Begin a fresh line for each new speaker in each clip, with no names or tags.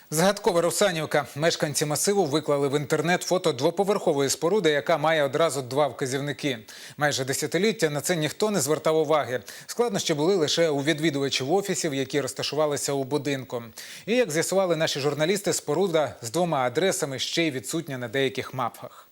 Загадкова Русанівка. Мешканці масиву виклали в інтернет фото двоповерхової споруди, яка має одразу два вказівники. Майже десятиліття на це ніхто не звертав уваги. Складнощі були лише у відвідувачів офісів, які розташувалися у будинку. І, як з'ясували наші журналісти, споруда з двома адресами ще й відсутня на деяких мапах.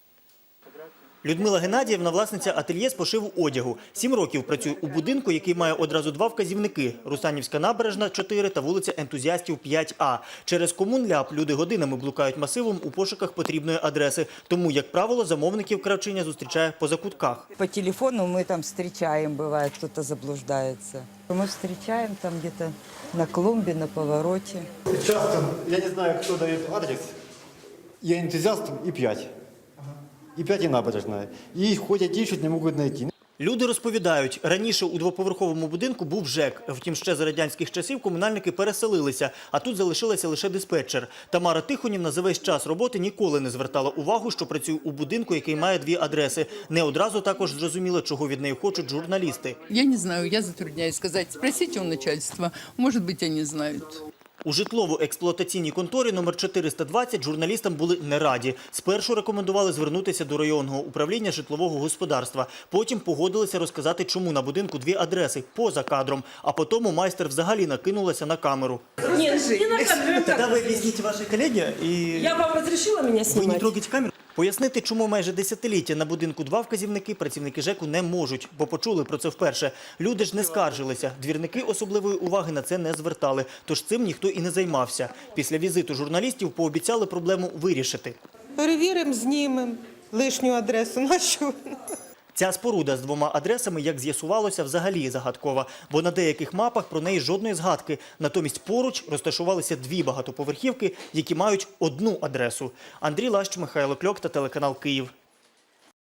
Людмила Геннадіївна – власниця ательє з пошиву одягу. 7 років працює у будинку, який має одразу два вказівники – Русанівська набережна, 4 та вулиця Ентузіастів, 5А. Через Комунляп люди годинами блукають масивом у пошуках потрібної адреси. Тому, як правило, замовників кравчиня зустрічає по закутках.
По телефону мы там встречаем, бывает, кто-то заблуждается. Мы встречаем там где-то на клумбе, на повороте.
Часто, я не знаю, кто дает адрес, и энтузиастам, и 5. И 5 и набережная. И ходят, ищут, не можуть знайти.
Люди розповідають, раніше у двоповерховому будинку був ЖЕК. Втім, ще за радянських часів комунальники переселилися, а тут залишилася лише диспетчер. Тамара Тихонівна за весь час роботи ніколи не звертала увагу, що працює у будинку, який має дві адреси. Не одразу також зрозуміло, чого від неї хочуть журналісти.
Я не знаю, я затрудняюсь сказать. Спросите у начальства, может быть, они знают.
У житлово-експлуатаційній конторі номер 420 журналістам були не раді. Спершу рекомендували звернутися до районного управління житлового господарства. Потім погодилися розказати, чому на будинку дві адреси поза кадром. А потім майстер взагалі накинулася на камеру.
Нет, не на камеру.
Тоді ви об'ясніть вашій колегі і...
Я вам разрешила меня
Ви не
снимать?
трогайте камеру. Пояснити, чому майже десятиліття на будинку два вказівники працівники ЖЕКу не можуть, бо почули про це вперше. Люди ж не скаржилися. Двірники особливої уваги на це не звертали, тож цим ніхто і не займався. Після візиту журналістів пообіцяли проблему вирішити.
Перевіримо, знімемо лишню адресу нашу.
Ця споруда з двома адресами, як з'ясувалося, взагалі загадкова, бо на деяких мапах про неї жодної згадки. Натомість поруч розташувалися дві багатоповерхівки, які мають одну адресу. Андрій Лащ, Михайло Кльок та телеканал «Київ».